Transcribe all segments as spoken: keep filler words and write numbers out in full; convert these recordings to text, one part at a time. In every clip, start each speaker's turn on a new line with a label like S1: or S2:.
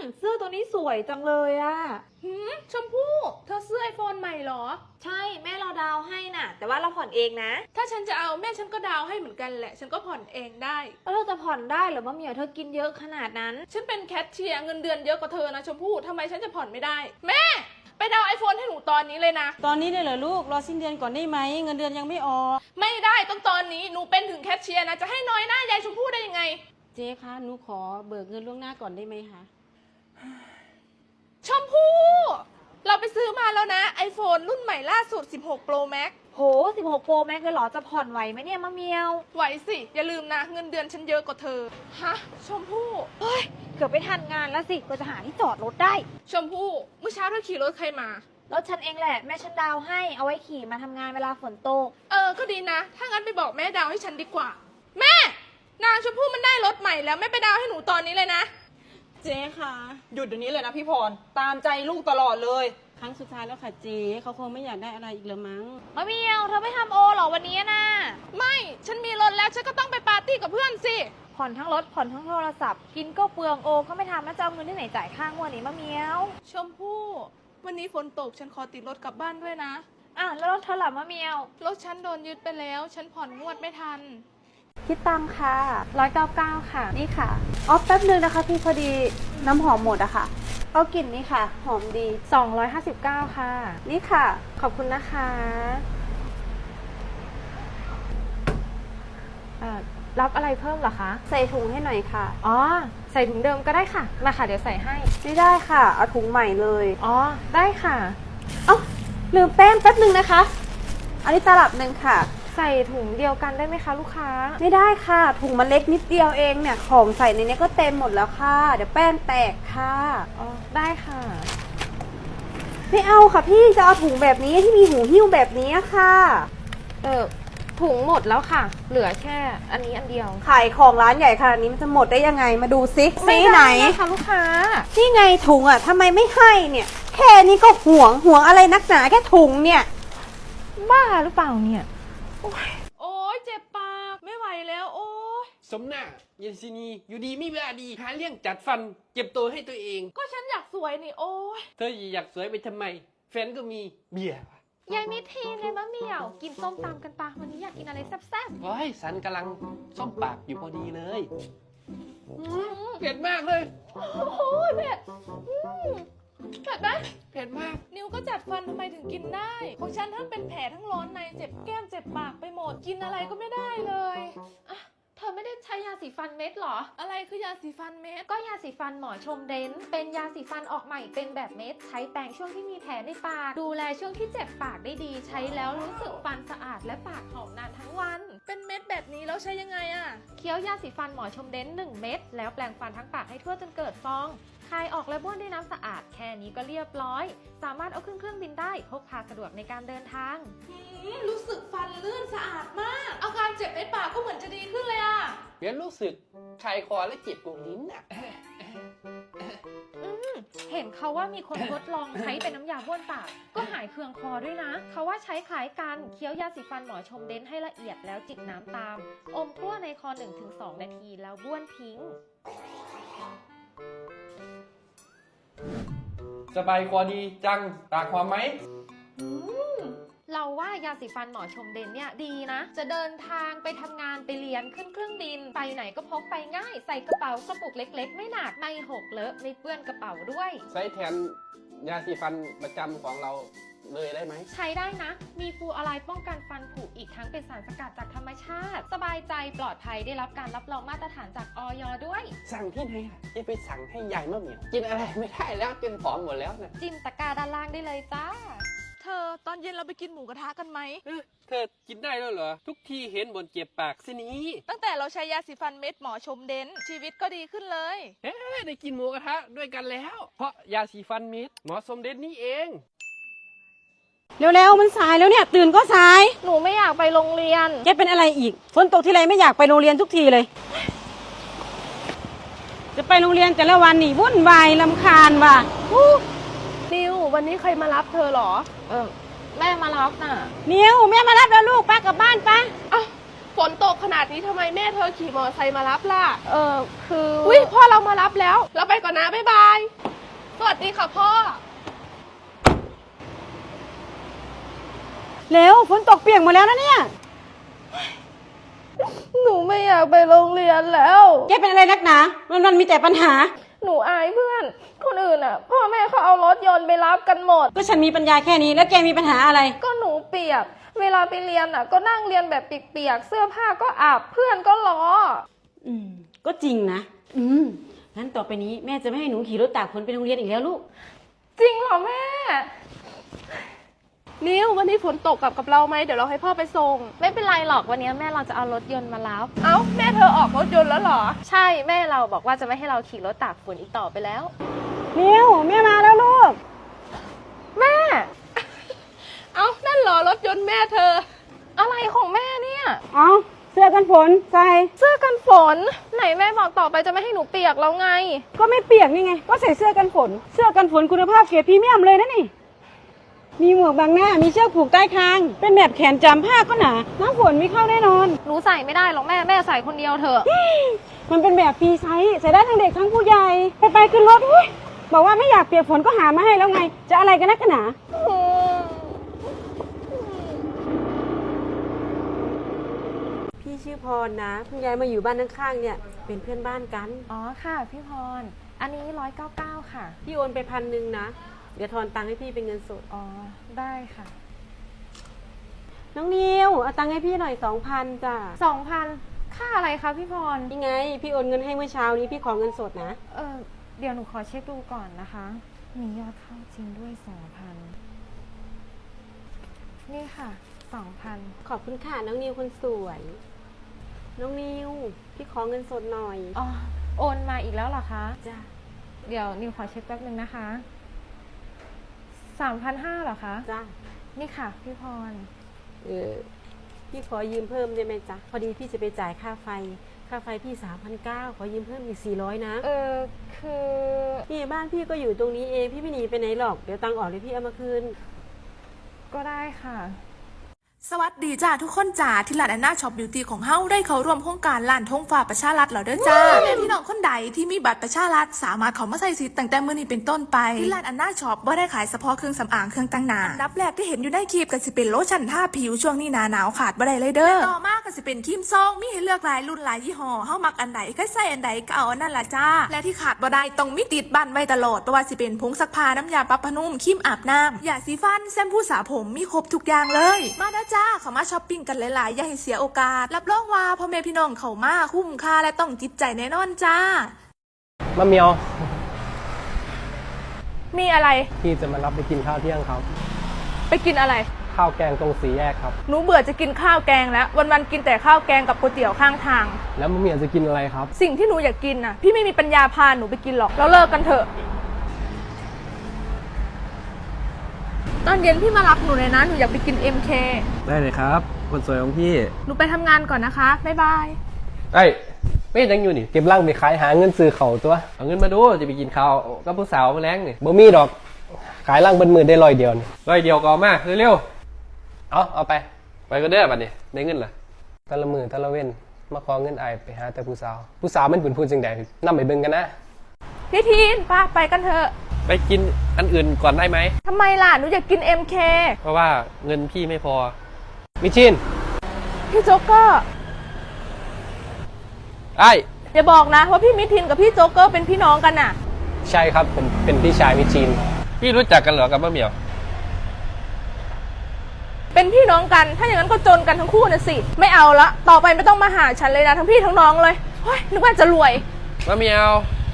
S1: เสื้อตัวนี้สวยจังเลยอะ
S2: หืมชมพู่เธอซื้อไอโฟนใหม่เหรอ
S1: ใช่แม่เราดาวให้น่ะแต่ว่าเราผ่อนเองนะ
S2: ถ้าฉันจะเอาแม่ฉันก็ดาวให้เหมือนกันแหละฉันก็ผ่อนเองได้
S1: แล้วเราจะผ่อนได้เหรอมะเหมียวเธอกินเยอะขนาดนั้น
S2: ฉันเป็นแคชเชียร์เงินเดือนเยอะกว่าเธอนะชมพู่ทำไมฉันจะผ่อนไม่ได้แม่ไปดาวไอโฟนให้หนูตอนนี้เลยนะ
S3: ตอนนี้เลยเหรอลูกรอสิ้นเดือนก่อนได้ไหมเงินเดือนยังไม่ออก
S2: ไม่ได้ต้องตอนนี้หนูเป็นถึงแคชเชียร์นะจะให้น้อยหน้ายายชมพู่ได้ยังไง
S3: เจ๊คะหนูขอเบิกเงินล่วงหน้าก่อนได้ไหมคะ
S2: ชมพู่เราไปซื้อมาแล้วนะ iPhone รุ่นใหม่ล่าสุดสิบหก Pro Max
S1: โหสิบหกโปรแม็กเลยเหรอจะผ่อนไหวไหมเนี่ยมะเหมียว
S2: ไหวสิอย่าลืมนะเงินเดือนฉันเยอะกว่าเธอฮะชมพู่
S1: เฮ้ยเกือบไปทันงานแล้วสิก็จะหาที่จอดรถได้
S2: ชมพู่เมื่อเช้าเธอขี่รถใครมาร
S1: ถฉันเองแหละแม่ฉันดาวให้เอาไว้ขี่มาทำงานเวลาฝนตก
S2: เออก็ดีนะถ้างั้นไปบอกแม่ดาวให้ฉันดีกว่าแม่นางชมพู่มันได้รถใหม่แล้วแม่ไปดาวให้หนูตอนนี้เลยนะ
S3: เจ๊คะ
S4: หยุดเดี๋ยวนี้เลยนะพี่พรตามใจลูกตลอดเลย
S3: ครั้งสุดท้ายแล้วค่ะเจ๊เขาคงไม่อยากได้อะไรอีกแล้วมั้ง
S1: มะเหมียวเธอไม่ทำโอเหรอวันนี้นะ
S2: ไม่ฉันมีรถแล้วฉันก็ต้องไปปาร์ตี้กับเพื่อนสิ
S1: ผ่อนทั้งรถผ่อนทั้งโทรศัพท์กินก็เปลืองโอก็ไม่ทำแล้วจะเอาเงินที่ไหนจ่ายค่างวดนี้มะเหมียว
S2: ชมพู่วันนี้ฝนตกฉันขอติดรถกลับบ้านด้วยนะ
S1: อ่ะแล้วรถเธอหลับมะเหมียว
S2: รถฉันโดนยึดไปแล้วฉันผ่อนงวดไม่ทัน
S1: คิดตังค่ะร้อยเก้าเก้าค่ะนี่ค่ะออฟแป๊บนึงนะคะพี่พอดีน้ำหอมหมดอะค่ะเอากลิ่นนี้ค่ะหอมดีสองร้อยห้าสิบเก้าค่ะนี่ค่ะขอบคุณนะคะรับอะไรเพิ่มเหรอคะใส่ถุงให้หน่อยค่ะอ๋อใส่ถุงเดิมก็ได้ค่ะมาค่ะเดี๋ยวใส่ให้ไม่ได้ค่ะเอาถุงใหม่เลยอ๋อได้ค่ะเอ้าลืมแป้งแป๊บนึงนะคะอันนี้ตลับหนึ่งค่ะใส่ถุงเดียวกันได้ไหมคะลูกค้าไม่ได้ค่ะถุงมันเล็กนิดเดียวเองเนี่ยของใส่ในนี้ก็เต็มหมดแล้วค่ะเดี๋ยวแป้งแตกค่ะอ๋อได้ค่ะไม่เอาค่ะพี่จะเอาถุงแบบนี้ที่มีหูหิ้วแบบนี้ค่ะเออถุงหมดแล้วค่ะเหลือแค่อันนี้อันเดียวขายของร้านใหญ่ขนาดนี้มันจะหมดได้ยังไงมาดูซิซีไหนค่ะลูกค้าที่ไงถุงอ่ะทำไมไม่ให้เนี่ยแค่นี้ก็ห่วงห่วงอะไรนักหนาแค่ถุงเนี่ยบ้าหรือเปล่าเนี่ย
S2: โอ้ยเจ็บปากไม่ไหวแล้วโอ้ย
S4: สมหน้าเยนซินีอยู่ดีไม่เวลาดีหาเรื่องจัดฟันเจ็บตัวให้ตัวเอง
S2: ก็ฉันอยากสวยนี่โอ้ย
S4: เธออยากสวยไปทำไมแฟนก็มีเบียร์
S1: ยายมิทีนเลยมะเหมี่ยวกินส้มตำกันปะวันนี้อยากกินอะไรแซ่บ
S4: ๆว้ายสันกำลังส้มปากอยู่พอดีเลยเผ็ดมากเลย
S2: โอ้โหเผ็ดเผ็ดไหม
S4: เผ็ดมาก
S2: นิวก็จัดฟันทำไมถึงกินได้ของฉันทั้งเป็นแผลทั้งร้อนในเจ็บแก้มเจ็บปากไปหมดกินอะไรก็ไม่ได้เลย
S5: อะเธอไม่ได้ใช้ยาสีฟันเม็ดหรอ
S2: อะไรคือยาสีฟันเม็ด
S5: ก็ยาสีฟันหมอชมเดนเป็นยาสีฟันออกใหม่เป็นแบบเม็ดใช้แปรงช่วงที่มีแผลในปากดูแลช่วงที่เจ็บปากได้ดีใช้แล้วรู้สึกฟันสะอาดและปากหอมนานทั้งวัน
S2: เป็นเม็ดแบบนี้แล้วใช้ยังไงอะ
S5: เคี้ยวยาสีฟันหมอชมเดนหนึ่งเม็ดแล้วแปรงฟันทั้งปากให้ทั่วจนเกิดฟองคายออกและบ้วนด้วยน้ำสะอาดแค่นี้ก็เรียบร้อยสามารถเอาขึ้นเครื่องบินได้พกพาสะดวกในการเดินทาง
S2: รู้สึกฟันลื่นสะอาดมากอาการเจ็บในปากก็เหมือนจะดีขึ้นเลยอะ
S4: เบียร์รู้สึกคายคอและเจ็บกว่าลิ้นอ่ะ
S5: เห็นเขาว่ามีคนทดลองใช้เป็นน้ำยาบ้วนปากก็หายเคืองคอด้วยนะเขาว่าใช้คล้ายกันเคี้ยวยาสีฟันหมอชมเดนให้ละเอียดแล้วจิบน้ำตามอมทั่วในคอ หนึ่งถึงสอง นาทีแล้วบ้วนทิ้ง
S4: สบายคอดีจังตากความไหม
S5: เราว่ายาสีฟันหมอชมเดนเนี่ยดีนะจะเดินทางไปทำงานไปเรียนขึ้นเครื่องบินไปไหนก็พกไปง่ายใส่กระเป๋ากระปุกเล็กๆไม่หนักไม่หกเลอะไม่เปื้อนกระเป๋าด้วย
S4: ใช้แทนยาสีฟันประจำของเราเลยได้ไหม
S5: ใช้ได้นะมีฟลูออไรด์ป้องกันฟันผุอีกทั้งเป็นสารสกัดจากธรรมชาติสบายใจปลอดภัยได้รับการรับรองมาตรฐานจากอย.ด้วย
S4: สั่งที่ไหนอ่ะจะไปสั่งให้ยายมะเหมี่ยวกินอะไรไม่ได้แล้วจนผอมหมดแล้วนะ
S5: จิ้มตะกร้าด้านล่างได้เลยจ้า
S2: เธอตอนเย็นเราไปกินหมูกระทะกันไหม
S4: เธอกินได้แล้วเหรอทุกทีเห็นบนเจ็บปากสินี้
S2: ตั้งแต่เราใช้ยาสีฟันเม็ดหมอชมเดนชีวิตก็ดีขึ้นเลย
S4: เฮ้ได้กินหมูกระทะด้วยกันแล้วเพราะยาสีฟันเม็ดหมอชมเดนนี่เอง
S3: เร็วๆมันสายแล้วเนี่ยตื่นก็สาย
S1: หนูไม่อยากไปโรงเรียน
S3: แกเป็นอะไรอีกฝนตกทีไรไม่อยากไปโรงเรียนทุกทีเลยจะไปโรงเรียนแต่ละวันนี่วุ่นวายรำคาญว่ะ
S2: นิววันนี้ใครมารับเธอหรอ
S1: เออแม่มารับน่ะ
S3: นิวแม่มารับแล้วลูกป้ากลับบ้านป้า
S2: อ้าวฝนตกขนาดนี้ทำไมแม่เธอขี่มอเตอร์ไซค์มารับล่ะ
S1: เออคือ
S2: อุ้ยพ่อเรามารับแล้ว เราไปก่อนนะ บ๊ายบาย สวัสดีค่ะพ่อ
S3: เร็วฝนตกเปียกหมดแล้วนะเนี่ย
S2: หนูไม่อยากไปโรงเรียนแล้ว
S3: แกเป็นอะไรนักหนาวันวันๆมีแต่ปัญหา
S2: หนูอายเพื่อน คนอื่นอ่ะ พ่อแม่เขาเอารถยนต์ไปรับกันหมด
S3: ก็ฉันมีปัญญาแค่นี้แล้วแกมีปัญหาอะไร
S2: ก็หนูเปียก เวลาไปเรียนอ่ะ ก็นั่งเรียนแบบเปียกๆ เสื้อผ้าก็อาบ เพื่อนก็ล้อ
S3: อืมก็จริงนะ อืมงั้นต่อไปนี้แม่จะไม่ให้หนูขี่รถตากฝนไปโรงเรียนอีกแล้วลูก
S2: จริงเหรอแม่ นิววันนี้ฝนตกกลับกับเราไหมเดี๋ยวเราให้พ่อไปส่ง
S5: ไม่เป็นไรหรอกวันนี้แม่เราจะเอารถยนต์มารับ
S2: เอ้าแม่เธอออกรถยนต์แล้วเหรอ
S5: ใช่แม่เราบอกว่าจะไม่ให้เราขี่รถตากฝนอีกต่อไปแล้ว
S3: นิวแม่มาแล้วลูก
S2: แม่ เอ้านั่นเหรอรถยนต์แม่เธอ
S5: อะไรของแม่เนี่ย
S3: เอาเสื้อกันฝนใส่
S2: เสื้อกันฝน ไหนแม่บอกต่อไปจะไม่ให้หนูเปียกแล้วไง
S3: ก็ไม่เปียกนี่ไง ก็ใส่เสื้อกันฝน เสื้อกันฝนคุณภาพเกรดพรีเมียมเลยนะนี่ มีหมวกบังหน้า มีเชือกผูกใต้คาง เป็นแบบแขนจำผ้าก็หนา น้ำฝนไม่เข้าแน่นอน
S5: หนูใส่ไม่ได้หรอกแม่แม่ใส่คนเดียวเถอะ
S3: มันเป็นแบบฟรีไซส์ใส่ได้ทั้งเด็กทั้งผู้ใหญ่ ไปไปขึ้นรถอุ๊ยบอกว่าไม่อยากเปียกฝนก็หามาให้แล้วไง จะอะไรกันนักกันหนา พี่ชื่อพรนะเพิ่งย้ายมาอยู่บ้านข้างๆเนี่ย เป็นเพื่อนบ้านกัน
S5: อ๋อค่ะพี่พร อันนี้ร้อยเก้าเก้าค่ะ
S3: พี่โอนไปพันหนึ่งนะ เดี๋ยวทอนตังค์ให้พี่เป็นเงินสด
S5: อ๋อได้ค่ะ
S3: น้องนิวเอาตังค์ให้พี่หน่อยสองพันจ้ะ
S5: สองพันค่าอะไรคะพี่พร
S3: นี่ไง พี่โอนเงินให้เมื่อเช้านี้พี่ขอเงินสดนะ
S5: เออเดี๋ยวหนูขอเช็คดูก่อนนะคะ มียอดเข้าจริงด้วยสองพันนี่ค่ะสองพัน
S3: ขอบคุณค่ะน้องนิวคนสวย น้องนิวพี่ขอเงินสดหน่อย
S5: อ๋อโอนมาอีกแล้วเหรอคะ
S3: จ้ะ
S5: เดี๋ยวนิวขอเช็คแป๊บนึงนะคะสามพันห้าเหรอคะ
S3: จ้ะ
S5: นี่ค่ะพี่พร
S3: เออพี่ขอยืมเพิ่มได้ไหมจ๊ะพอดีพี่จะไปจ่ายค่าไฟ ค่าไฟพี่สามพันเก้าขอยืมเพิ่มอีกสี่ร้อยนะ
S5: เออคือ
S3: นี่บ้านพี่ก็อยู่ตรงนี้เองพี่ไม่หนีไปไหนหรอกเดี๋ยวตังค์ออกเลยพี่เอามาคืน
S5: ก็ได้ค่ะ
S2: สวัสดีจ้าทุกคนจ้าที่ร้านแอนนาช็อปบิวตี้ของเฮาได้เข้าร่วมโครงการร้านทงฟ้าประชารัฐแล้วเด้อจ้าแม่พี่น้องคนใดที่มีบัตรประชารัฐสามารถเข้ามาใช้สิทธิ์ตั้งแต่มื้อนี้เป็นต้นไปที่ร้านแอนนาช็อปบ่ได้ขายเฉพาะเครื่องสำอางเครื่องแต่งหน้าอันดับแรกที่เห็นอยู่ในคลิปก็สิเป็นโลชั่นทาผิวช่วงนี้หนาหนาวขาดบ่ได้เลยเด้อต่อมาก็สิเป็นครีมซองมีให้เลือกหลายรุ่นหลายยี่ห้อเฮามักอันใดก็ใส่อันใดก็เอาอันนั้นล่ะจ้าและที่ขาดบ่ได้ต้องมีติดบ้านไว้ตลอดบ่ว่าสิเป็นผงซักผ้าน้ำยาปรับผ้านุ่มครีมอาบน้ำยาสีฟันแชมพูสระผมมีครบทุกอย่างเลยมาเด้อจ้าเข้ามาช้อปปิ้งกันหลายๆอย่าให้เสียโอกาสรับรองว่าพ่อแม่พี่น้องเขามาคุ้มค่าและต้องจิตใจแน่นอนจ้าม
S4: ะเมียว
S2: มีอะไร
S4: พี่จะมารับไปกินข้าวเที่ยงครับ
S2: ไปกินอะไร
S4: ข้าวแกงตรงสีแยกครับ
S2: หนูเบื่อจะกินข้าวแกงแล้ววันๆกินแต่ข้าวแกงกับก๋วยเตี๋ยวข้างทาง
S4: แล้วมะเมียวจะกินอะไรครับ
S2: สิ่งที่หนูอยากกินน่ะพี่ไม่มีปัญญาพาหนูไปกินหรอกแล้วเลิกกันเถอะตอนเย็นพี่มารับหนูเลยนะหนูอยากไปกิน เอ็ม เค
S4: ได้เลยครับ คนสวยของพี่
S2: หนูไปทำงานก่อนนะคะบ๊ายบาย
S4: ไอ้ยไม่ยังอยู่นี่เก็บร่างไปขายหาเงินซื้อเขาตัวเอาเงินมาดูจะไปกินข้าวกับผู้สาวมาแล้งนี่บ่มีดอก ขายร่างเบิ้ลมือได้ร้อยเดียวนี่ร้อยเดียวก็เอามาเร็วๆเอาเอาไป ไปก็ได้บัดนี้ได้เงินล่ะแตะละมือแตะละเว้นมาขอเงินไอ้ไปหาแต่ผู้สาว ผู้สาวมันเป็นผู้จังใดนำไปเบิ่งกันนะ
S2: พี่ทีนป้าไปกันเถอะ
S4: ไปกินอันอื่นก่อนได้ไหม
S2: ทำไมล่ะหนูอยากกิน เอ็ม เค
S4: เพราะว่าเงินพี่ไม่พอ มิชิน
S2: พี่โจ๊กเกอร์
S4: ไอ้
S2: อย่าบอกนะว่าพี่มิทินกับพี่โจ๊กเกอร์เป็นพี่น้องกันน่ะ
S4: ใช่ครับผมเป็นพี่ชายมิชิน พี่รู้จักกันเหรอกับมะเหมียว
S2: เป็นพี่น้องกัน ถ้าอย่างนั้นก็จนกันทั้งคู่น่ะสิ ไม่เอาละ ต่อไปไม่ต้องมาหาฉันเลยนะทั้งพี่ทั้งน้องเลยเฮ้ยนึกว่าจะรวย
S4: มะเหมียว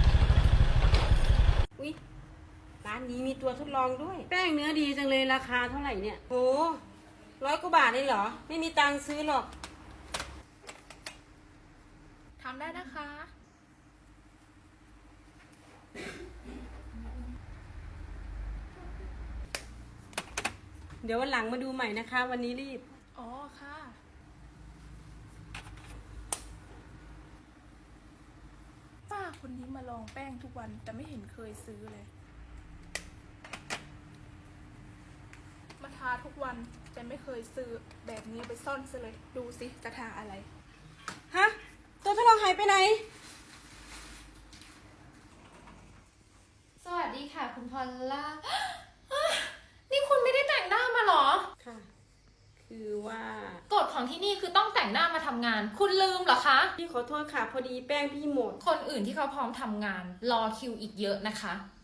S3: อุ๊ยร้านนี้มีตัวทดลองด้วย แป้งเนื้อดีจังเลยราคาเท่าไหร่เนี่ยโหร้อยกว่าบาทเลยเหรอ ไม่มีตังค์ซื้อหรอก
S2: ทำได้นะคะ
S3: เดี๋ยววันหลังมาดูใหม่นะคะ วันนี้รีบ
S2: อ๋อค่ะ ป้าคนนี้มาลองแป้งทุกวันแต่ไม่เห็นเคยซื้อเลย มาทาทุกวันแต่ไม่เคยซื้อแบบนี้ไปซ่อนซะเลย ดูสิจะทาอะไร
S3: หายไปไหน
S5: สวัสดีค่ะคุณพอลล่า นี่คุณไม่ได้แต่งหน้ามาเหรอ
S3: ค่ะ คือว่าก
S5: ฎของที่นี่คือต้องแต่งหน้ามาทำงาน คุณลืมเหรอคะ
S3: พี่ขอโทษค่ะ พอดีแป้งพี่หมด
S5: คนอื่นที่เขาพร้อมทำงาน รอคิวอีกเยอะนะคะ